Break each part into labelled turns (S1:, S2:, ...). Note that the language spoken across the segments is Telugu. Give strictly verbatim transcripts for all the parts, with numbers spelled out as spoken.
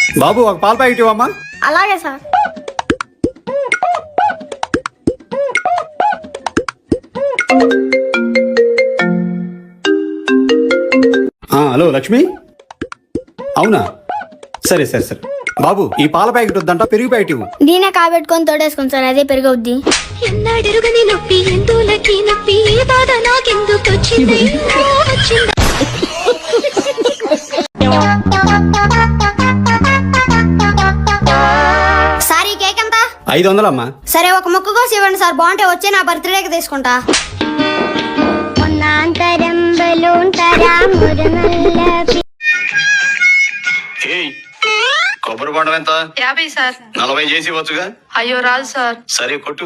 S1: బాబు ఒక పాల ప్యాకెట్ ఇవ్వమ్మా.
S2: అలాగే సార్.
S1: హలో లక్ష్మి, అవునా? సరే సరే సరే బాబు, ఈ పాల ప్యాకెట్ వద్దంట, పెరుగు ప్యాకెట్ ఇవ్వు.
S2: దీనే కాబెట్టుకొని తోడేసుకుని సార్, అదే పెరుగవుద్ది.
S3: నొప్పి ఎందులకి నొప్పి బాధ నాకెందుకు వచ్చింది
S2: సార్ ఈ కేక్ ఎంత?
S1: ఐదు వందలమ్మా.
S2: సరే ఒక ముక్క కోసి ఇవ్వండి సార్, బాగుంటే వచ్చే నా బర్త్డేకి తీసుకుంటా.
S1: కొబ్బరి బొండం ఎంత?
S4: యాభై సార్.
S1: నలభై చేసి ఇవ్వచ్చుగా?
S4: అయ్యో రాదు సార్.
S1: సరే కొట్టు.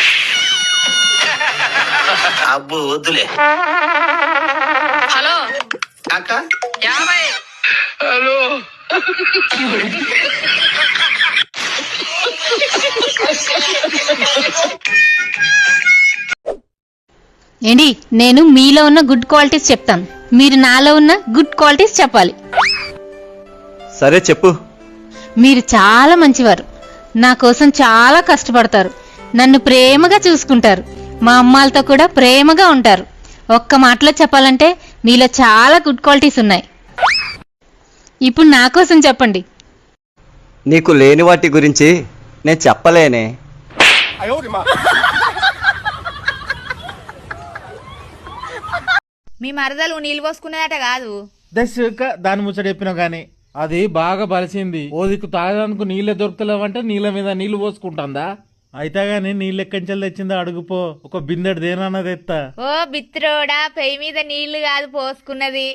S1: అబ్బు వద్దులే.
S4: హలో
S1: అక్క,
S4: యాభై.
S1: హలో
S5: ఏంటి, నేను మీలో ఉన్న గుడ్ క్వాలిటీస్ చెప్తాను, మీరు నాలో ఉన్న గుడ్ క్వాలిటీస్ చెప్పాలి.
S6: సరే చెప్పు.
S5: మీరు చాలా మంచివారు, నా కోసం చాలా కష్టపడతారు, నన్ను ప్రేమగా చూసుకుంటారు, మా అమ్మాలతో కూడా ప్రేమగా ఉంటారు. ఒక్క మాటలో చెప్పాలంటే మీలో చాలా గుడ్ క్వాలిటీస్ ఉన్నాయి. ఇప్పుడు నా కోసం చెప్పండి.
S6: నీకు లేని వాటి గురించి నేను చెప్పలేనే.
S7: మీ మరదలు నీళ్ళు పోసుకునేదట కాదు.
S8: దాని ముచ్చట చెప్పినావు గాని అది బాగా బలిసింది. ఓ దిక్కు తాగడానికి నీళ్ళే దొరుకుతలేవంటే నీళ్ళ మీద నీళ్లు పోసుకుంటుందా? అయితే గాని నీళ్ళు ఎక్కంచెలు తెచ్చిందో అడుగుపో, ఒక బిందెడు దేనన్నది ఎత్తా.
S7: ఓ బిత్రోడా, పెయి మీద నీళ్లు కాదు పోసుకున్నది.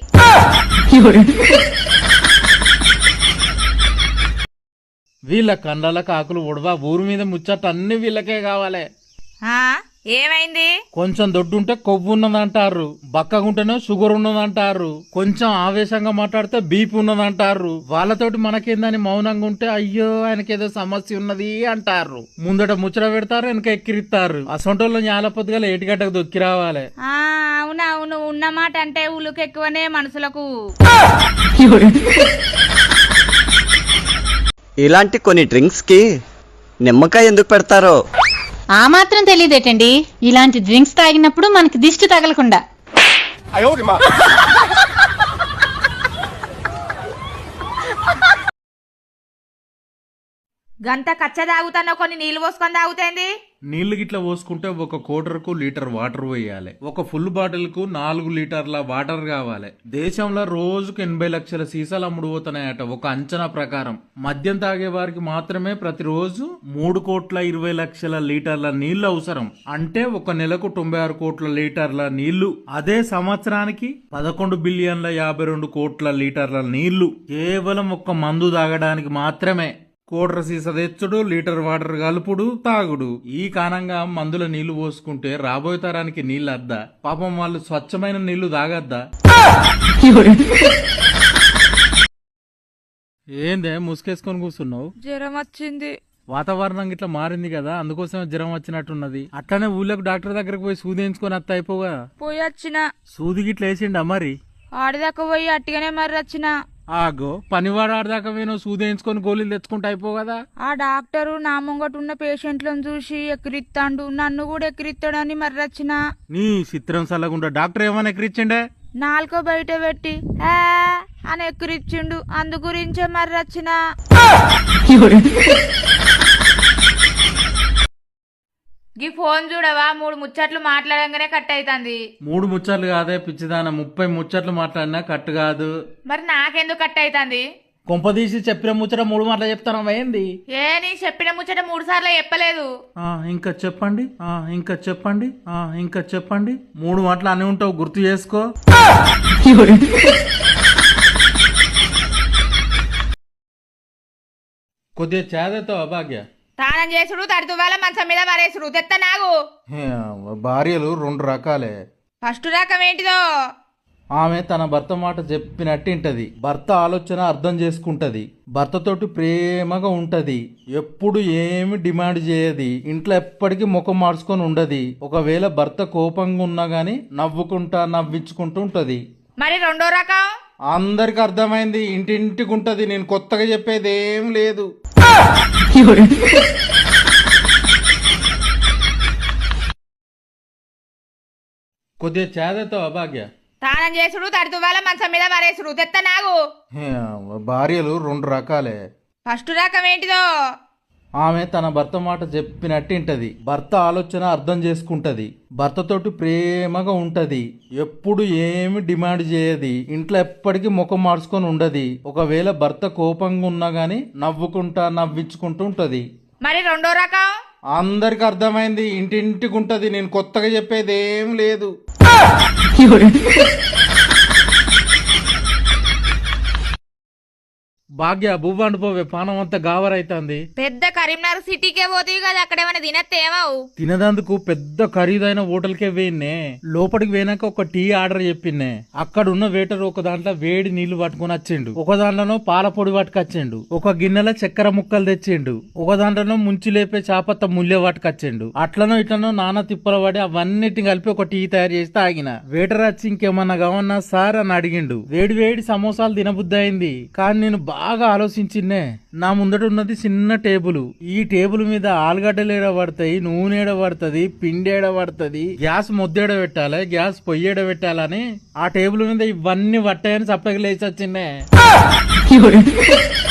S8: వీళ్ళ కండాల కాకులు ఉడవా, ఊరి మీద ముచ్చట అన్ని వీళ్ళకే కావాలి.
S7: ఆ ఏమైంది?
S8: కొంచెం దొడ్డుంటే కొవ్వు ఉన్నదంటారు, బక్కగుంటేనే షుగర్ ఉన్నదంటారు, కొంచెం ఆవేశంగా మాట్లాడితే బీపీ ఉన్నదంటారు. వాళ్ళతోటి మనకేందని మౌనంగా ఉంటే అయ్యో ఆయనకేదో సమస్య ఉన్నది అంటారు. ముందట ముచ్చట పెడతారు, వెనక ఎక్కిరిస్తారు. అసొంటోళ్ళు న్యాలపొద్దుగా ఏటిగడ్డకు దొక్కి రావాలి.
S7: ఆ అవునవును, ఉన్నమాట అంటే ఉలుకు ఎక్కువనే మనుషులకు.
S6: ఇలాంటి కొన్ని డ్రింక్స్ కి నిమ్మకాయ ఎందుకు పెడతారో
S5: ఆ మాత్రం తెలియదేటండి, ఇలాంటి డ్రింక్స్ తాగినప్పుడు మనకి దిష్టి తగలకుండా.
S7: గంట కచ్చ తాగుతానో కొన్ని నీళ్లు పోసుకొని తాగుతేంది?
S8: నీళ్లు గిట్లా పోసుకుంటే ఒక కోటర్ కు లీటర్ వాటర్ పోయాలి. ఒక ఫుల్ బాటిల్ కు నాలుగు లీటర్ల వాటర్ కావాలి. దేశంలో రోజుకు ఎనభై లక్షల సీసాలు అమ్ముడు పోతున్నాయట ఒక అంచనా ప్రకారం. మద్యం తాగే వారికి మాత్రమే ప్రతిరోజు మూడు కోట్ల ఇరవై లక్షల లీటర్ల నీళ్లు అవసరం. అంటే ఒక నెలకు తొంభై ఆరు కోట్ల లీటర్ల నీళ్లు. అదే సంవత్సరానికి పదకొండు బిలియన్ల యాభై రెండు కోట్ల లీటర్ల నీళ్లు కేవలం ఒక్క మందు తాగడానికి మాత్రమే. కోట్ర సీస తెచ్చుడు, లీటర్ వాటర్ కలుపుడు, తాగుడు. ఈ కారణంగా మందుల నీళ్లు పోసుకుంటే రాబోయే తరానికి నీళ్ళు అద్దా? పాపం వాళ్ళు స్వచ్ఛమైన నీళ్లు తాగద్దా? ఏందే ముసుకేసుకొని కూర్చున్నావు?
S7: జ్వరం వచ్చింది.
S8: వాతావరణం ఇట్లా మారింది కదా, అందుకోసమే జ్వరం వచ్చినట్టున్నది. అట్లనే ఊళ్ళకు డాక్టర్ దగ్గరకు పోయి సూది వేయించుకొని అత్త అయిపోగా.
S7: పోయి వచ్చిన.
S8: సూది గిట్ల వేసిండా మరి?
S7: ఆడిదాకా పోయి అట్టిగానే మరి వచ్చిన.
S8: ఆగో, పనివాడు ఆడదాకా వేను సూది వేయించుకొని గోళీలు తెచ్చుకుంటా అయిపో కదా.
S7: ఆ డాక్టరు నా ముంగట ఉన్న పేషెంట్లను చూసి ఎక్కిరిత్తాండు, నన్ను కూడా ఎక్కిరిత్తాడని మరి వచ్చిన.
S8: నీ చిత్రం సల్లగుండా డాక్టర్ ఏమైనా ఎక్కిరిచ్చిండే?
S7: నాలుకో బయట పెట్టి ఆ అని ఎక్కిరిచ్చిండు, అందు గురించే మరి వచ్చిన. గీ ఫోన్ చూడవా, మూడు ముచ్చట్లు మాట్లాడంగానే కట్ అయితాంది.
S8: మూడు ముచ్చట్లు కాదే పిచ్చిదాన, ముప్పై ముచ్చట్లు మాట్లాడినా కట్ కాదు.
S7: మరి నాకెందుకు కట్ అయితాంది?
S8: కొంపదీసి చెప్పిన ముచ్చట మూడు మాటలు చెప్తాను ఏంది?
S7: ఏ నీ చెప్పిన ముచ్చట మూడు సార్లు చెప్పలేదు.
S8: ఆ ఇంకా చెప్పండి, ఆ ఇంకా చెప్పండి, ఆ ఇంకా చెప్పండి. మూడు మాటలు అని ఉంటావు, గుర్తు చేసుకో. కొద్దిగా చేదతో అభాగ్య.
S7: తానం చేసుడు, తడితువాల మంచం మీద మరేసుడు. తెత్త నాగు.
S8: భార్యలు రెండు రకాలే.
S7: ఫస్ట్ రకం ఏంటిదో?
S8: ఆమె తన భర్త మాట చెప్పినట్టింటది, భర్త ఆలోచన అర్థం చేసుకుంటది, భర్తతోటి ప్రేమగా ఉంటది, ఎప్పుడు ఏమి డిమాండ్ చేయది, ఇంట్లో ఎప్పటికీ ముఖం మార్చుకొని ఉండది. ఒకవేళ భర్త కోపంగా ఉన్నా గాని నవ్వుకుంటా నవ్వించుకుంటూ ఉంటది.
S7: మరి రెండో రకం?
S8: అందరికి అర్థమైంది, ఇంటింటికి ఉంటది, నేను కొత్తగా చెప్పేది ఏం లేదు. కొద్దిగా చేదతో అభాగ్య
S7: తానం చేసుడు తడితువ్వాల మంచం మీద మరేసుడు తెత్త నాగు.
S8: భార్యలు రెండు రకాలే.
S7: ఫస్ట్ రకం ఏంటిదో?
S8: ఆమె తన భర్త మాట చెప్పినట్టు వింటది, భర్త ఆలోచన అర్థం చేసుకుంటది, భర్తతోటి ప్రేమగా ఉంటది, ఎప్పుడు ఏమి డిమాండ్ చేయది, ఇంట్లో ఎప్పటికీ ముఖం మార్చుకొని ఉండది. ఒకవేళ భర్త కోపంగా ఉన్నా గానీ నవ్వుకుంటా నవ్వించుకుంటూ ఉంటది.
S7: మరి రెండో రకం?
S8: అందరికి అర్థమైంది, ఇంటింటికి ఉంటది, నేను కొత్తగా చెప్పేది ఏం లేదు. భాగ్య బువ్వ అండిపోవే, పానం అంతా గావరైతుంది.
S7: పెద్ద కరీంనగర్ సిటీకే పోతీవి కదా, అక్కడేమైనా తినత్తేమావు?
S8: తినదందుకు పెద్ద ఖరీదైన హోటల్కే వేయినే. లోపలికి పోయినాక ఒక టీ ఆర్డర్ చెప్పినే. అక్కడ ఉన్న వేటర్ ఒక దాంట్లో వేడి నీళ్లు పట్టుకుని వచ్చిండు, ఒక దాంట్లోనో పాల పొడి పట్టుకొచ్చిండు, ఒక గిన్నెలో చక్కెర ముక్కలు తెచ్చిండు, ఒక దాంట్లోనో ముంచి లేపే చాపత్త ముల్లె పట్టుకొచ్చిండు. అట్లనో ఇట్లనో నానా తిప్పల పడి అవన్నిటిని కలిపి ఒక టీ తయారు చేసి తాగిన. వేటర్ వచ్చి ఇంకేమన్నా కావన్నా సార్ అని అడిగిండు. వేడి వేడి సమోసాలు తినబుద్ధి అయింది, కానీ నేను బాగా ఆలోచించినే. నా ముందట ఉన్నది చిన్న టేబుల్, ఈ టేబుల్ మీద ఆలుగడ్డలు ఏడ పడతాయి, నూనె ఏడ పడుతుంది, పిండి ఏడ పడుతుంది, గ్యాస్ ముద్దేడ పెట్టాలి, గ్యాస్ పొయ్యేడ పెట్టాలని ఆ టేబుల్ మీద ఇవన్నీ పట్టాయని చప్పకి లేచి వచ్చిండే.